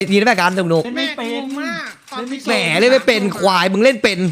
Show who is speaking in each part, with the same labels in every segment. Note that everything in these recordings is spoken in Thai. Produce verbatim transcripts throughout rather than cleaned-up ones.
Speaker 1: ทีได้ไหมการสนุก
Speaker 2: เล่นไม่เป็นมากตอนที่
Speaker 1: แหมเล่นไม่เป็นควายมึงเล่นเป็น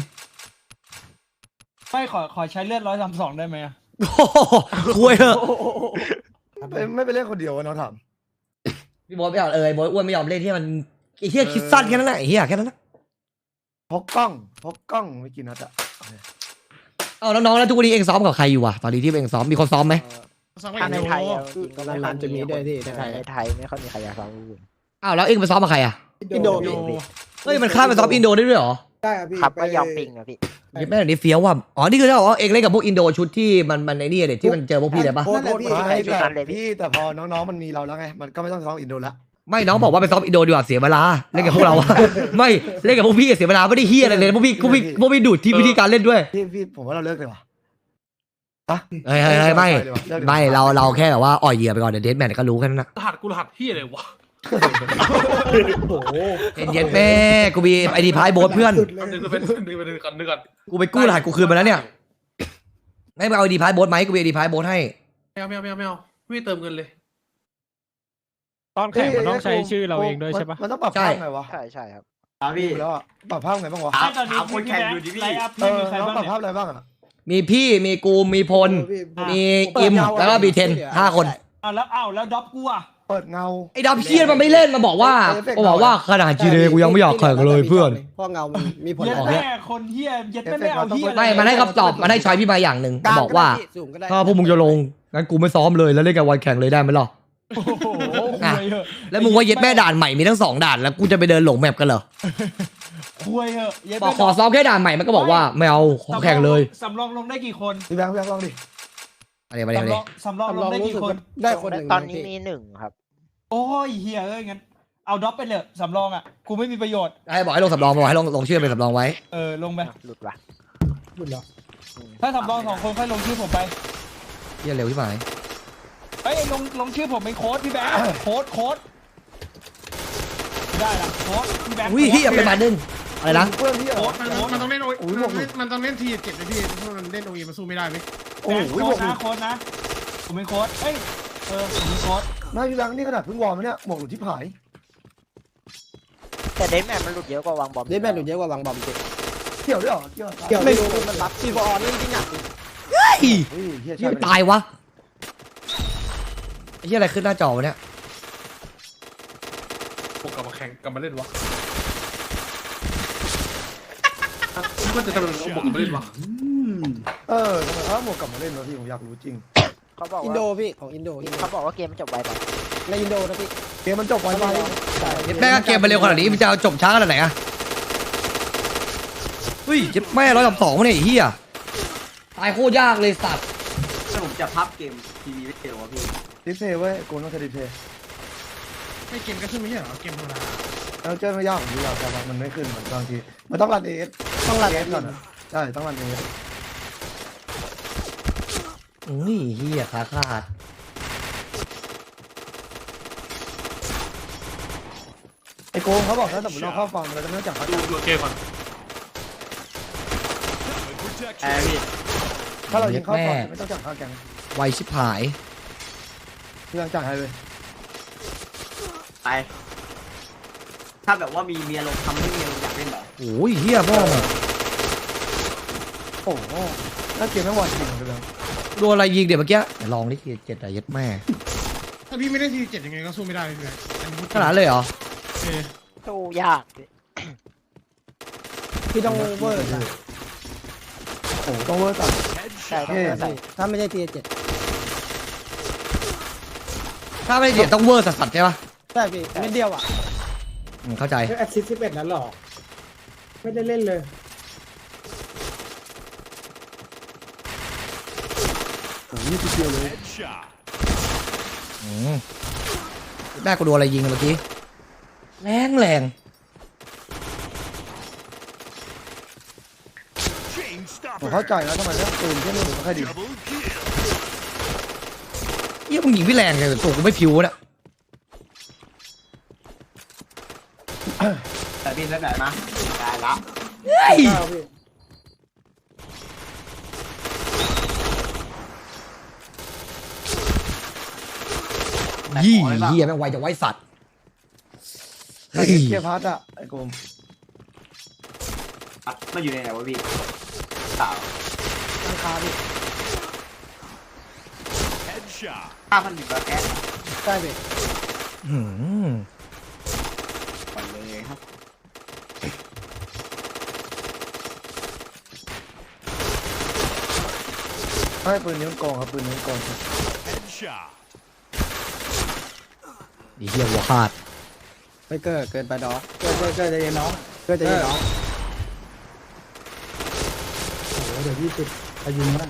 Speaker 2: ไม่ขอขอใช้เลือดร้อยสามสองได้ไหม
Speaker 1: โอ้โหคุยเถอะ
Speaker 3: ไม่ไม่ไปเล่นคนเดียวน้องถาม
Speaker 1: พี่บอสไม่ยอมเอ่ยบอสอ้วนไม่ยอมเล่นที่มันไอ้เหี้ยคิดสั้นแค่นั้นแหละไอ้เหี้ยแค่นั้นนะ
Speaker 3: พกกล้องพกกล้องไม่กินนัดอะ
Speaker 1: เอาน้องๆแล้วทุกวันนี้เองซ้อมกับใครอยู่วะตอนนี้ที่เองซ้อมมีคนซ้อมไหม
Speaker 4: ถ้าในไทยอะจริงก็ไม่ค่อย
Speaker 5: จะมีด้วยที่ในไทย
Speaker 4: ในไทยไม่ค่อยมีใครอยากฟังพูด
Speaker 1: อ้าวแล้วเองไปซ้อมกับใครอ่ะ
Speaker 5: อินโด
Speaker 4: อินโด
Speaker 5: พี่
Speaker 1: เฮ้ยมันข้ามไปซ้อมอินโดได้ด้วยเหรอ
Speaker 5: ได้ครับพี่
Speaker 4: ครับก็ยอมปิงอะพี่
Speaker 1: แม่งนี้เฟี้ยวว่ะอ๋อนี่คือเจ้าอ๋อเองเล่นกับพวกอินโดชุดที่มันมันไอ้นี่เด็ดที่มันเจอพวกพี่เลยปะ
Speaker 5: โคตรโคตรพี่
Speaker 3: ไม่แต่พี่แต่พอน้องๆมันมีเราแล้วไงมันก็ไม่ต้องซ้อมอินโดละ
Speaker 1: ไม่น้องบอกว่าไปซ้อมอินโดดีกว่าเสียเวลาเล่นกับพวกเราอะไม่เล่นกับพวกพี่เสียเวลาไม่ได้เฮียอะไรเลยพวกพี่พวกพี่พวกพี่ดูดที่วิธีการเล่นด้วย
Speaker 3: พี่พี่ผมว่าเราเลิกเลยว่ะ
Speaker 1: เฮ้ยเฮ้ยเฮ้ยไม่ไม่เราเราแค่แบบว่าอ่อยเหยื่อไปก่อนเดี๋ยวเดทแมนก็รู้แค่นั้นนะ
Speaker 6: รหัสกูรหัสพี่อะไรวะ
Speaker 5: โอ้โห
Speaker 1: เย็นๆแม่กูมีไอดีพายโบ๊ทเพื่อน
Speaker 5: สุดเลย
Speaker 6: นึกเป็นนึกเป็นนึกกันนึกกัน
Speaker 1: กูไปกู้รหัสกูคืนมาแล้วเนี่ยไม่ไปเอาไอดีพายโบ๊ทไหมกูมีไอดีพายโบ๊ทให้
Speaker 6: ไม่เอาไม่เอาไม่เอาไม่เอาไม่เติมเงินเลย
Speaker 7: ตอนแข่งมันต้องใช้ชื่อเราเองด้วยใช่ปะ
Speaker 3: มันต้องปรับภาพไงวะ
Speaker 4: ใช่ใช่ครับ
Speaker 3: พี่แล้วอะปรับภาพไงบ้างวะ
Speaker 2: ตอนนี้คนแข่งอยู่ที่พี่ไลน์อัพ
Speaker 3: เอ
Speaker 2: พี่
Speaker 3: อ
Speaker 2: มีใคร
Speaker 3: น้อง
Speaker 2: บ้าง
Speaker 3: ปรับ
Speaker 2: เนี่ย
Speaker 3: ภาพอะไรบ้างอะ
Speaker 1: มีพี่มีกูมีพล
Speaker 5: พี่
Speaker 1: มีอิมแล้วก็บีเทนห้าคน
Speaker 2: อ้าวแล้วอ้าวแล้วด็อปกูอ่ะ
Speaker 3: เปิดเงา
Speaker 1: ไอ้ดับเชียนมันไม่เล่นมาบอกว่ามาบอกว่าขนาดจีเดกูยังไม่อยากแข่งเลยเพื่อน
Speaker 5: เพราะเงามันมีผล
Speaker 2: เย็ด
Speaker 1: ออกเนี่ย
Speaker 2: แม่คนเฮียเย็ดแม่ไม่เอาเฮีย
Speaker 1: ไม่มันให้คำตอบมันให้ชอยพี่มาอย่างหนึ่งมันบอกว่า
Speaker 5: สูงก็ได้
Speaker 1: ถ้าพวกมึงจะลงงั้นกูไม่ซ้อมเลยแล้วเล่นกับวันแข่งเลยได้ไหมล่ะ
Speaker 2: โอ้โห
Speaker 1: อ่ะ
Speaker 2: คุยเหอะ
Speaker 1: แล้วมึงว่าเย็ดแม่ด่านใหม่มีทั้งสองด่านแล้วกูจะไปเดินหลงแมปกันเหรอ
Speaker 2: คุยเหอะเย็ด
Speaker 1: บอ
Speaker 2: แม่
Speaker 1: กขอซ้อมแค่ด่านใหม่มันก็บอกว่าไม่เอาขอแข่งเลย
Speaker 2: สำรองลงได้กี่คน
Speaker 3: พี่แบงค์พี่แบงค์ลองดิ
Speaker 1: อะไรมาเนี่ย
Speaker 2: สำรองสำรองล
Speaker 5: ลอง
Speaker 2: งได้
Speaker 5: รู้
Speaker 2: กี่
Speaker 5: สึก
Speaker 2: คน
Speaker 5: ได้คนหนึ่ง
Speaker 4: ตอนนี้มีหนึ่งครับ
Speaker 2: โอ้ยเฮียเอ้ยงั้นเอาด็อปไปเลยสำรองอ่ะกูไม่มีประโยชน์
Speaker 1: ให้บอกให้ลงสำรองบอกให้ลงลงชื่อเป็นสำรองไว้
Speaker 2: เออลงไป
Speaker 4: หลุดว่ะ
Speaker 5: บุญเหรอ
Speaker 2: ถ้าสำรองสองคนค่อยลงชื่อผมไป
Speaker 1: เยี่ยเร็วที่ไหน
Speaker 2: เฮ้ยลงลงชื่อผมเป็นโค้ดพี่แบงค์โค้ดโค้ดได้ละโค้ดพี่แบงค์
Speaker 1: อุ้ยเฮียเป็นมาดึงอะไรนะ
Speaker 3: เพื่อนพี่เหร
Speaker 2: โค้
Speaker 3: อ
Speaker 2: ด
Speaker 6: มัน
Speaker 2: โค้ด
Speaker 6: มันต้องเล่นโอ
Speaker 3: โอ้ยหมวกหลุด
Speaker 6: มันต้องเล่นทีเจ็ดเลยพี่เพราะมันเล่นโอเอมันสู้ไม่ได้ไหม
Speaker 3: โอ้โห
Speaker 2: โค้
Speaker 3: หมว
Speaker 2: ด
Speaker 3: กหลุ
Speaker 2: นะ
Speaker 3: ด
Speaker 2: โค้ดนะผมเป็นโค้ดเอ้ยเออผมเป็นโค้ด
Speaker 3: ไม่พี่แบงค์นี่ขนาดเพิ่งวอร์มเนี่ยหมวกหลุดที่ผาย
Speaker 4: แต่เดนแมนมันหลุดเยอะกว่าวางบอม
Speaker 5: เดนแมนหลุดเยอะกว่าวางบอมจริง
Speaker 3: เกี่ยวด้วยเหรอเกี่ยวเหรอ
Speaker 5: เกี่ยวไม่รู้มันรับซีฟอร์เล่นจริงอ่ะ
Speaker 1: เฮ้ย
Speaker 3: เฮ้ยเฮีย
Speaker 1: เหี้
Speaker 3: ใช่
Speaker 1: ยตายวะไอ้เฮียอะไรขึ้นหน้าจอวะเนี่ย
Speaker 6: พวกกลับมาแข่งกลับมาเล่นวะมันจะทำอะไรเอาบวกกลับมาเล่นวะ
Speaker 3: เออทำไมเอาหมวกกลับมาเล่นวะพี่ผมอยากรู้จริง
Speaker 4: เขาบอก
Speaker 5: อินโด
Speaker 4: ว่า
Speaker 5: พี่ของอินโด
Speaker 4: เขาบอกว่าเกมมันจบไวไป
Speaker 5: ในอินโดนะพี่
Speaker 3: เกมมันจบไวไป
Speaker 1: เย็ดแม่ก็เกมมาเร็วขนาดนี้มันจะเอาจบช้าขนาดไหนอะเฮ้ยเย็ดแม่ร้อยสามสองวะเนี่ยไอ้เฮียตายโคตรยากเลยสัตว์
Speaker 8: ถ้าผมจะพับเกมทีวีไม่เร็วอะพี่
Speaker 3: ดิสเพย์เว้ยโกนต้องใช้ดิสเพย์
Speaker 6: ไม่เกมก็ขึ้นไม่ใช่เหรอเกมธรรมดา
Speaker 3: แล้วเจ้าไม่ยากผมดูอยากแต่ว่ามันไม่ขึ้นเหมือนบางทีมันต้องรันเอส
Speaker 5: ต้องรัน
Speaker 3: เอ
Speaker 5: เอ
Speaker 3: ส
Speaker 5: ส
Speaker 3: ก่
Speaker 5: ก่
Speaker 3: อ
Speaker 5: อน น
Speaker 3: อะใช่ต้องรันเอส
Speaker 1: อุ้ยเฮียขาขาด
Speaker 3: ไอโกงเขาบอกถ้าสมมติเราเข้าฟังเราจะไม่ต้องจับเขา
Speaker 6: ดูดูเกมก่อน
Speaker 8: แอร์พี่
Speaker 3: ถ้าเรายิงเข้าฟังไม่ต้องจับเขาแกง
Speaker 1: ไวชิบหาย
Speaker 3: เรื่องจ่ายให้เลย
Speaker 8: ไป ถ้าแบบว่ามีเมียลงทำให้เมียลงอยากเล่นเหรอ
Speaker 1: โอ้ยเฮียพ่อมึง
Speaker 3: โอ้โหแล้วเกมไม่หวานจริงเลย
Speaker 1: โดนอะไรยิงเดี๋ยวเมื่อกี้เดี๋ยวลองดิเจ็ดอะเย็ดแม่
Speaker 6: ถ้าพี่ไม่ได้ทีเจ็ดยังไงก็สู้ไม่ได้เลย
Speaker 1: ขนาดเลยเหรอ
Speaker 6: เออ
Speaker 4: สู้ยากพี่
Speaker 5: พี่ต้องเวอร์นะ
Speaker 3: โอ้โหต้องเวอร์ตัด
Speaker 4: ใช่ต้องเวอร์ใส่
Speaker 5: ถ้าไม่ใช่ทีเจ็ด
Speaker 1: ถ้าไม่ได้เดี๋ยวต้องเวอร์สัสๆใช่ปะ
Speaker 5: ใช่พี่เม็ดเดียวอ่ะ
Speaker 1: อืมเข้าใจ
Speaker 5: แอสซิสสิบเอ็ดนั้นหรอไม่ได้เล่นเลย
Speaker 3: โอ้โหนี่คือเดียวเลย
Speaker 1: อืมได้กูโดนอะไรยิงเมื่อกี้แรงแรง
Speaker 3: ผมเข้าใจแล้วทำไมเรื่องปืนที่นี่มันค่อยดี
Speaker 1: เยี่ยมึงยิงพี่แรงเลยตัวกูไม่ผิวเนี่ย
Speaker 8: แต่พี่แล้วแบบนะได้ละ
Speaker 1: เฮ้ย
Speaker 5: เก้าพี่
Speaker 1: ยี่เฮียแม่งไวจะไวสัตว์ฮ้ย
Speaker 3: เกียร์พัดอ่ะไอ้กลม
Speaker 8: อ่ะมันอยู่ในไหนวะพี่สาว
Speaker 5: ราคาพี่
Speaker 8: ห้าพันหนึ่งร้อยแก๊ส
Speaker 5: ใช่พี่
Speaker 1: อืม
Speaker 8: ก่อนเลยครับ
Speaker 3: ให้ปืนนิ้วโกงครับปืนนิ้วโกงครับ
Speaker 1: ดีเฮียหัวขาด
Speaker 5: ไปเกิดเกินไปดอก
Speaker 3: เกิดเกิดเกิดใจเย็นน้อง
Speaker 5: เกิดจะยิงน้อง
Speaker 3: โอ้โหเดี๋ยวพี่ติดไปยิงนะ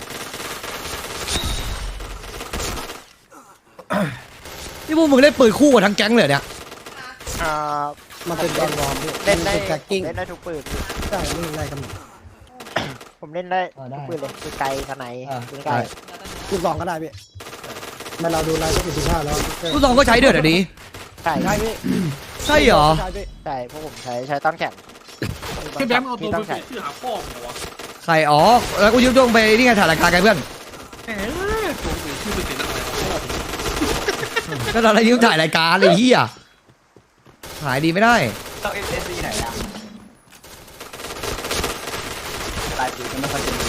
Speaker 1: นี่พวกมึงเล่นปืนคู่กับทั้งแก๊งเลยเนี่ย
Speaker 4: อ่า
Speaker 5: มันเป็นแอนวอร์มพี่
Speaker 4: เล่นได้
Speaker 5: แท็กกิ้ง
Speaker 4: เล่นได้ทุกปืนพี่
Speaker 5: ใช่ไม่มีอะไรกันหมด
Speaker 4: ผมเล่นได้ทุกปืนเลยคือไกลทนายปืนไกล
Speaker 5: ลูกสองก็ได้พี่มาเราดูรายละเอียดสิบห้าแล้ว
Speaker 1: ลูกซองก็ใช้เดือดอันนี้
Speaker 4: ใช่
Speaker 5: ใช่พี่
Speaker 1: ใช่เหรอ
Speaker 5: ใช่พี่
Speaker 4: ใช่พวกผมใช้ใช้ต้อนแข็ง
Speaker 6: พี่แบงค์เอาตัว
Speaker 4: มี
Speaker 6: ไป
Speaker 4: ต้อน
Speaker 6: เปลี่
Speaker 4: แข็
Speaker 6: ย
Speaker 4: ง
Speaker 6: นชื่อหาพ่อมึงเหรอวะ
Speaker 1: ใครอ๋อแล้วกูยืมดวงไปนี่ไงถ่ายรายการกันเพื่อน
Speaker 6: แหมตัวเปลี่ยนชื่อไปเปลี่ยนอะไรพ่อผม
Speaker 1: ก็ตอนนั้นยืมถ่ายรายการเลยเฮียหายดีไม่ได้
Speaker 8: ต้องเอสเอสซีไหนอะลายปืนก็ไม่ค่อยจะมี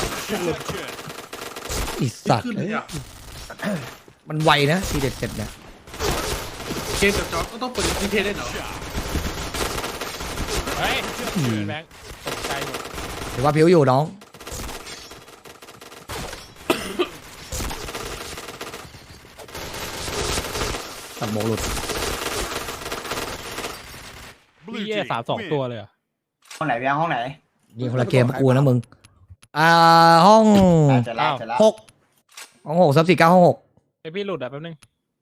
Speaker 1: อีสัตว์
Speaker 6: ขึ้นเลยอ่ะ
Speaker 1: มันไวนะทีเด็ดเจ็ดเนี่ย
Speaker 6: เกมกับจอร์จก็ต้องเปิดทีเทได้เหรอ
Speaker 7: เฮ้ยแบงค์ตกใจหมด
Speaker 1: หรือว่าพิวอยู่น้องตัดโมหลุด
Speaker 7: พี่เย่สามสองตัวเลยเหรอ
Speaker 8: ห้องไหนพี่ห้องไหน
Speaker 1: ยิงคนละเกมกับกูนะมึงอ่าห้อง
Speaker 8: อ่ะเจะแล้วจะแล้ว
Speaker 1: หกห้องหกซับสี่เก้าห้องหก
Speaker 7: ไอพี่หลุดอ่ะแป๊บนึง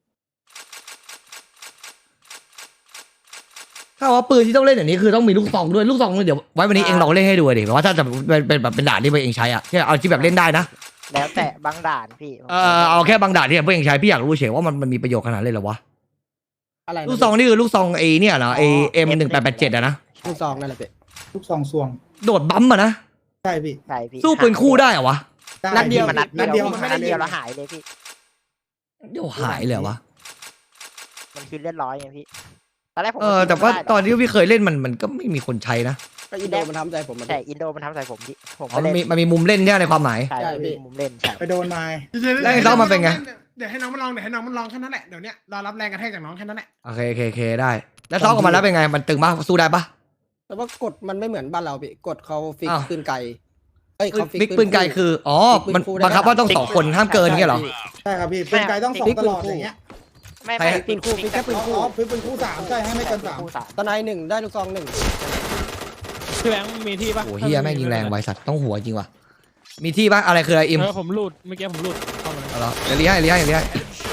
Speaker 1: ถ้าว่าปืนที่ต้องเล่นอย่างนี้คือต้องมีลูกซองด้วยลูกซองเดี๋ยวไว้วันนี้เองลองเล่นให้ดูดิแบบว่าถ้าจะเป็นเป็นแบบเป็นด่านที่พวกเองใช้อะที่เอาที่แบบเล่นได้นะ
Speaker 4: แล้วแต่บางด่านพี่
Speaker 1: เออเอาแค่บางด่านที่พวกเองใช้พี่อยากรู้เฉยว่ามันมันมีประโยชน์ขนาดเลยเหรอวะ
Speaker 5: อะไรนะ
Speaker 1: ลูกซองนี่คือลูกซองเอเนี่ยเหรอเอเอ็มหนึ่งแปดแปดเจ็ดอะนะ
Speaker 5: ลูกซองนั่นแหละพี่
Speaker 3: ลูกซองซวง
Speaker 1: โดดบัมป์อะนะ
Speaker 3: ใช่พี่
Speaker 4: ใช่พี่
Speaker 1: สู้ปืนคู่ได้เหรอวะ
Speaker 5: นัดเดียว
Speaker 4: มันนัด
Speaker 3: นัด
Speaker 4: เดี
Speaker 3: เดี
Speaker 4: ย
Speaker 3: ยว ว
Speaker 4: มันนัดเดียวแล้วหายเลยพี่
Speaker 1: เดี๋ยวหายเลยเหรอวะ
Speaker 4: มันคือเล่นร้อยไงพี่ตอนแรกผม
Speaker 1: เออแต่ว่าตอนที่พี่เคยเล่นมันมันก็ไม่มีคนใช้นะ
Speaker 5: ก็อินโดมันทำใจผมมัน
Speaker 4: แต่อินโดมันทำใส่ผมพี่ผม
Speaker 1: อ๋อ
Speaker 4: ก็
Speaker 1: มัน
Speaker 4: เล่น
Speaker 1: มีมันมีมุมเล่นเนี่ยในความหมาย
Speaker 4: ใช่
Speaker 5: ใช่พี่
Speaker 4: พี่มุมเล่นใช่
Speaker 3: ไปโดนไม้
Speaker 1: แล้วไอ้น้องมันเป็นไง
Speaker 6: เดี๋ยวให้น้องมันลองเดี๋ยวให้น้องมันลองแค่นั้นแหละเดี๋ยวเนี้ยรอรับแรงกระแทกจากน้องแค่นั้นแหละ
Speaker 1: โอเคโอเคโอเคได้ แล้วซ้อมออกมาแล้วเป็นไงมันตึงปะสู้ได้ปะ
Speaker 5: แต่ว่ากฎมันไม่เหมือนบ้านเราพี่กฎเขาฟิก
Speaker 1: อ้าว
Speaker 5: ปืนไกลเอ้ยเขา
Speaker 1: บิ๊กปืนไกลคืออ๋อมันบังคับว่าต้องสองคนห้ามเกินเงี้ยเหรอ
Speaker 3: ใช่ครับพี่ปืนไกลต้องสองตลอดอย่างเงี้ย
Speaker 4: ไม่
Speaker 1: ใคร
Speaker 4: ไม่
Speaker 5: ปืนคู่ฟิกแค่ปืน
Speaker 3: อ๋
Speaker 5: คู่
Speaker 3: อปืนปืนคู่สามใช่ให้ไม่เกินสาม
Speaker 4: คู่สาม
Speaker 5: ตอนไหนหนึ่งได้ลูกซองหนึ่ง
Speaker 7: พี่แบงค์มีที่ปะ
Speaker 1: โอ้เฮียแม่งยิงแรงไวสัตว์ต้องหัวจริงว่ะมีที่ปะอะไรคืออะไรอิม
Speaker 7: เออผมหลุดเมื่อกี้ผมหลุดเข้ามา
Speaker 1: เอาละเดี๋ยวเลี้ยให้เลี้ยให้เลี้ยให้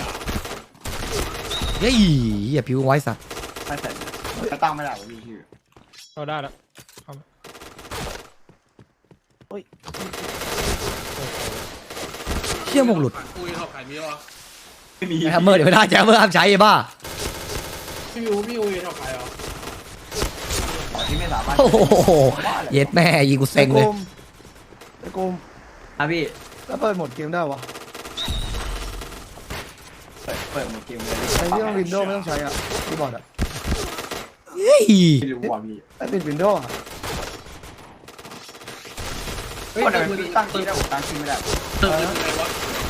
Speaker 1: เฮ้ยเฮียผิวไว้สัตว์
Speaker 8: ไม่เสร็จจะตั้งไม่ได้วะพี่ชื่อ
Speaker 7: เข้าได้แล้ว
Speaker 1: เชี่ยมงหลุด
Speaker 6: คุยเขาขายมีวะ
Speaker 8: ไม่มี
Speaker 1: แฮมเมอร์เดี๋ยวไม่ได้แจมเมอร์ห้ามใช้ไอ้บ้า
Speaker 6: พี่อูพี่อูเขาขายเหรอ
Speaker 8: ที่ไม่สามารถ
Speaker 1: โอ้โหเย็ดแม่ยิงกูเซ็งเลย
Speaker 3: ไอ้กลม
Speaker 8: อ่ะพี่
Speaker 3: แล้วเปิดโหมดเกมได้วะ
Speaker 8: เปิดเปิดหมดเกมเลย
Speaker 3: ไอ้ที่ต้องวินโดว์ไม่ต้องใช้อ่ะคีย์บอร์ดอ่ะ
Speaker 1: เฮ้ย
Speaker 8: ไม่รู้ว่ะพี่
Speaker 3: ไอ้ปิดวินโดว์อ่ะ
Speaker 8: เฮ้ยทำไมพี่ตั้งชื่อได้ผมตั้งชื่อไม่ได้
Speaker 6: เติมยังไงวะ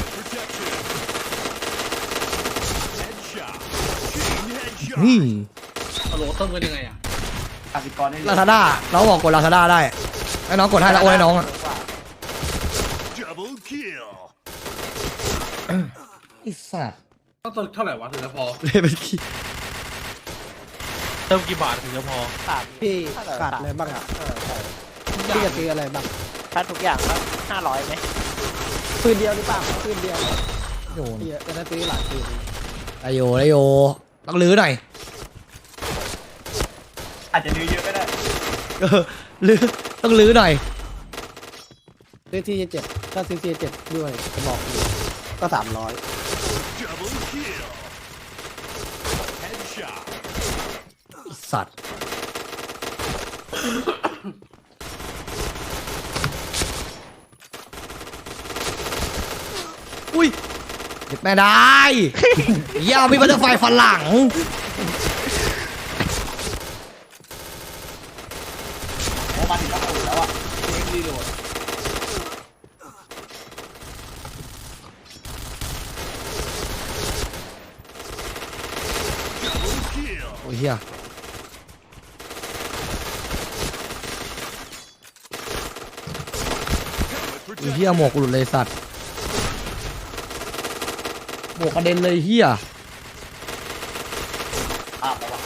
Speaker 1: นี่
Speaker 6: ฮัลโหลเติมกันยังไงอ่ะ
Speaker 8: กสิกรได้เลย
Speaker 1: ลาซาด้าน้องบอกกดลาซาด้าได้ให้น้องกดให้แล้วโอนให้น้องอ่ะไอ้สัตว์
Speaker 6: ต้องเติมเท่าไหร่วะถึงจะพอ
Speaker 1: เลยเป็นขี้
Speaker 7: เติมกี่บาทถึงจะพอ
Speaker 4: สาม
Speaker 5: พี่ขาดอะไรบ้างอ่ะ
Speaker 4: เออใช่
Speaker 5: พี่จะซื้ออะไรบ้าง
Speaker 4: ถ้าทุกอย่างก็ห้าร้อยไหม
Speaker 5: ปืนเดียวหรือเปล่าปืนเดียว
Speaker 1: โยน
Speaker 5: พี่จะได้ซื้อหลายปืน
Speaker 1: ไอโยไอโยต้องลื้อหน่อย
Speaker 8: อาจจะดื้อเยอะก็ได้
Speaker 1: เออลื้อต้องลื้อหน่อย
Speaker 5: ซื้อทีเจ็ดถ้าซื้อทีเจ็ดด้วยกระบอกเดียวก็สามร้อย
Speaker 1: สัตว์อุ้ยเด็ดแม่ได้ อย่ามีบัตเตอร์ไฟฝรั่ง
Speaker 2: มาถึงแล้วแล้วอ่ะ
Speaker 6: เอ็กซ์รีโหลด
Speaker 1: โอ้ยเฮียโอ้ยเฮียหมวกหลุดเลยสัตว์หมวกกระเด็นเลยเฮีย
Speaker 2: อ่ะแล้ววะ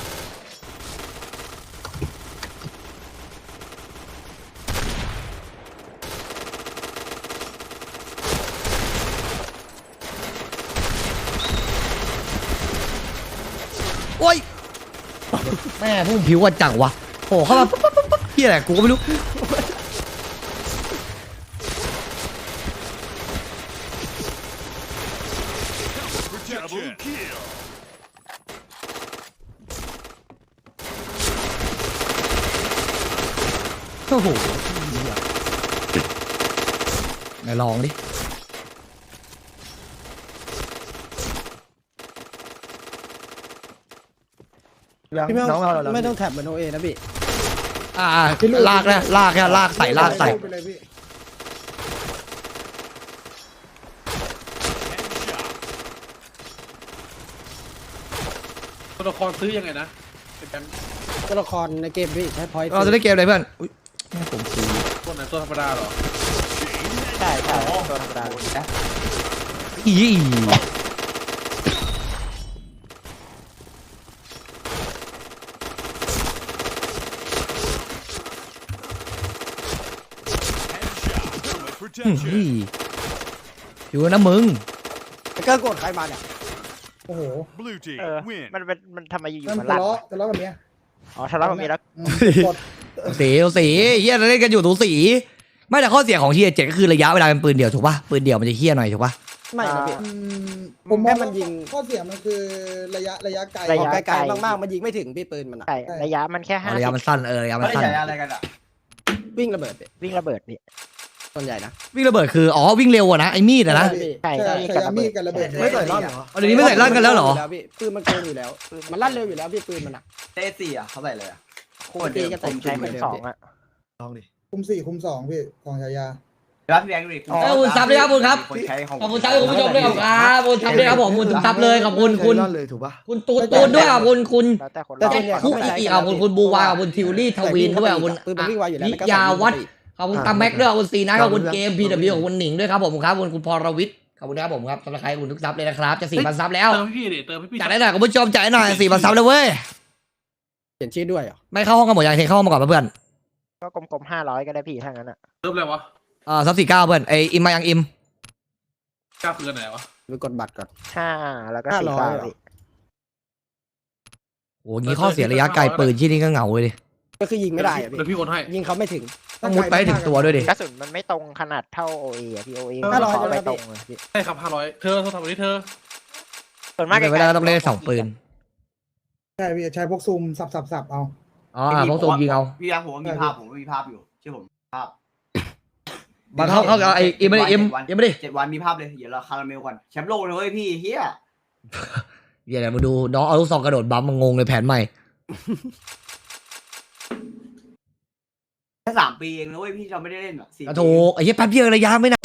Speaker 1: โอ้ยแม่พวกมึงผิวกันจังวะโอ้เข้ามาปั๊บปั๊บปั๊บปั๊บเฮียอะไรกูก็ไม่รู้โอ้โหไหนลองดิ
Speaker 5: พี่ไม่ต้
Speaker 3: น้
Speaker 5: อ
Speaker 3: อง งเราเรา
Speaker 5: ไม่ต้องแท็บเหมือนโอเอนะพี่
Speaker 1: อ่าลากนะลากแค่ลากใส่ลากใส่
Speaker 5: ไปเลยพี่
Speaker 6: ตัวละครซื้อยังไงนะเป็นแบงค์
Speaker 5: ตัวละครในเกมพี่ใช้พอยต์
Speaker 1: เราจะได้เกมอะไรเพื่อนอุ๊ยแม่ผมซื้อ
Speaker 6: ตัวไหนตัวธรรมดาเหรอ
Speaker 4: ใช่ใช่ตัวธรรมดาเลยนะ
Speaker 1: อี อืมอีอยู่นะมึง
Speaker 5: แต่ก็กดใครมาเนี่ยโอ้โห
Speaker 4: เออมันเป็นมันทำไมอยู่ๆ
Speaker 5: มัน
Speaker 4: มัน
Speaker 5: ทะ
Speaker 4: ลั่น
Speaker 5: เลาะทะเลาะกับเมีย
Speaker 4: อ๋อทะเลาะกับเมียแล้ว
Speaker 5: กด
Speaker 1: สีสีเฮียเราเล่นกันอยู่สูสีไม่แต่ข้อเสียของทีเจ็ดก็คือระยะเวลาเป็นปืนเดี่ยวถูกป่ะปืนเดี่ยวมันจะเฮี้ยหน่อยถูกป่ะ
Speaker 5: ไม่นะพี่
Speaker 9: ผมม
Speaker 5: แค่
Speaker 9: อง
Speaker 5: มันยิง
Speaker 9: ข้อเสียมันคือระยะระยะไกล
Speaker 4: ระ
Speaker 5: ออก
Speaker 4: ยะ
Speaker 5: ไกลๆมากๆมันยิงไม่ถึงพี่ปืนมันอะ
Speaker 4: ใช่ระยะมันแค่ห้า
Speaker 1: ระยะมันสั้นเออระยะมัน
Speaker 2: ไม่ได้
Speaker 1: สั้น
Speaker 2: ใช้อะไรกันอ่ะ
Speaker 5: วิ่งระเบิดพี่
Speaker 4: วิ่งระเบิดพี่
Speaker 5: ส่วนใหญ่นะ
Speaker 1: วิ่งระเบิดคืออ๋อวิ่งเร็วอะนะไอ้มีดอะนะ
Speaker 4: ใช่
Speaker 9: ใช่
Speaker 4: มีด
Speaker 9: ใช้
Speaker 4: กับ
Speaker 9: ยา
Speaker 4: ระ
Speaker 9: มี
Speaker 4: เบิ
Speaker 9: ด
Speaker 4: ด
Speaker 9: กับระเบิด
Speaker 3: ไม่ใส่ร่อนเหรอ
Speaker 1: เอาเดี๋ยวนี้ไม่ใส่ลั่นกันแล้วเหรอ
Speaker 5: พี่ปืนมันโกงอยู่แล้ว มันลั่นเร็วอยู่แล้วพี่ปืนมันอะ
Speaker 2: เตสี่อ่ะเขาใส่เลยอ่ะ
Speaker 4: คู่ตีกันผมใช้เป็นสองอ่ะ
Speaker 3: ลองดิ
Speaker 9: คุมสี่คุมสองพี่ของฉายา
Speaker 2: รับพี่แบงค์ดิ
Speaker 1: เอ้ยขอบคุณซับด้วยครับขอบคุณครับ
Speaker 2: คนใช้ของ
Speaker 1: ขอบคุณซับคุณผู้ชมด้วยขอบคุณครับขอบคุณซับด้วยครับผมขอบคุณซับเลยขอบคุณคุณ
Speaker 3: ใส่ร่อนเลยถูกปะ
Speaker 1: คุณตูนตูนด้วยขอบคุณคุณ
Speaker 4: แล้วแต่คน
Speaker 5: แต่
Speaker 4: เรา
Speaker 5: ส่วนใหญ่
Speaker 1: คุ
Speaker 5: เขา
Speaker 1: ก
Speaker 5: ไม่ใช้
Speaker 1: อีก
Speaker 5: กั
Speaker 1: ขอบคุณคุณบูวาขอบคุณทิวลี่ทวินด้วยขอบคุณ
Speaker 5: ปืนมันวิ่งไวอยู่แล้ว
Speaker 1: นิยาวัฒน์ขอบคุณตาแม็กด้วยขอบคุณซีนะขอบคุณเกมพีดับบิวขอบคุณหนิงด้วยครับผมครับขอบคุณคุณพรวิทย์ขอบคุณครับผมครับสำหรับใครขอบคุณทุกซับเลยนะครับจะสี่พันซับแล้ว
Speaker 6: เติมให้พี่ดิเติมให้พี่
Speaker 1: จ่ายได้หน่อยคุณผู้ชมจ่ายหน่อยสี่พันซับเลยเว้ย
Speaker 5: เขียนชื่อด้วยเหรอ
Speaker 1: ไม่เข้าห้องกันหมดยังเทเข้าห้องมาก่อนเพื่อน
Speaker 4: ก็กลมๆห้าร้อยก็ได้พี่ถ้างั้นอ่ะ
Speaker 6: เติมอะไรวะ
Speaker 1: อ่าซับสี่เก้าเพื่อนไออิมมายังอิม
Speaker 6: กล้าคือไหนวะ
Speaker 5: ไปกดบัตรก่อน
Speaker 4: ห้าแล้วก็
Speaker 5: ห้า
Speaker 4: สี่
Speaker 5: ร้อย
Speaker 4: เก้า
Speaker 5: เหรอ
Speaker 4: พี่
Speaker 1: โอ้ยงี้ข้อเสียระยะไกลปืนที่นี่ก็เหงาเลยดิ
Speaker 5: ก็คือยิงไม่ได้อะพี่
Speaker 6: เดี๋ยวพี่โอนให้
Speaker 5: ยิงเขาไม่ถึง
Speaker 1: ต้องมุดไปให้ถึงตัวด้วยดิ
Speaker 4: กระสุนมันไม่ตรงขนาดเท่าโอเอะพี่โอเอ
Speaker 5: ห้าร้อย
Speaker 4: เขาไป
Speaker 5: ใช่ไหม
Speaker 4: ตรงเลยพี่
Speaker 6: ใช่ครับห้าร้อยเธอโทรศัพท์วันนี้เธอ
Speaker 4: ส่วนมาก
Speaker 1: ไม่ได้ก็ต้องเล่นสองปืน
Speaker 9: ใช่พี่ใช้พวกซูมสับสับสับเอา
Speaker 1: อ๋ออ่าพวกตัวยิงเอา
Speaker 2: พี่แบงค์ผมว่ามีภาพผมว่ามีภาพอยู่เชื่อผมภาพ
Speaker 1: มาเข้าเข้าไออิมไม่ได้อิมอิมไม่ได้
Speaker 2: เจ็ดวันมีภาพเลยเดี๋ยวเราคาราเมลก่อนแชมป์โลกเลยเว้ยพี่เฮีย
Speaker 1: เดี๋ยวมาดูน้องเอาลูกซองกระโดดบัมมางงเลยแผนใหม่
Speaker 2: แค่สามปีเองนะเว้ยพี่เราไม่ได้เล่นอ่ะสี่
Speaker 1: กระโถไอ้เหี้ยแป๊บเดียวระยะไม่นาน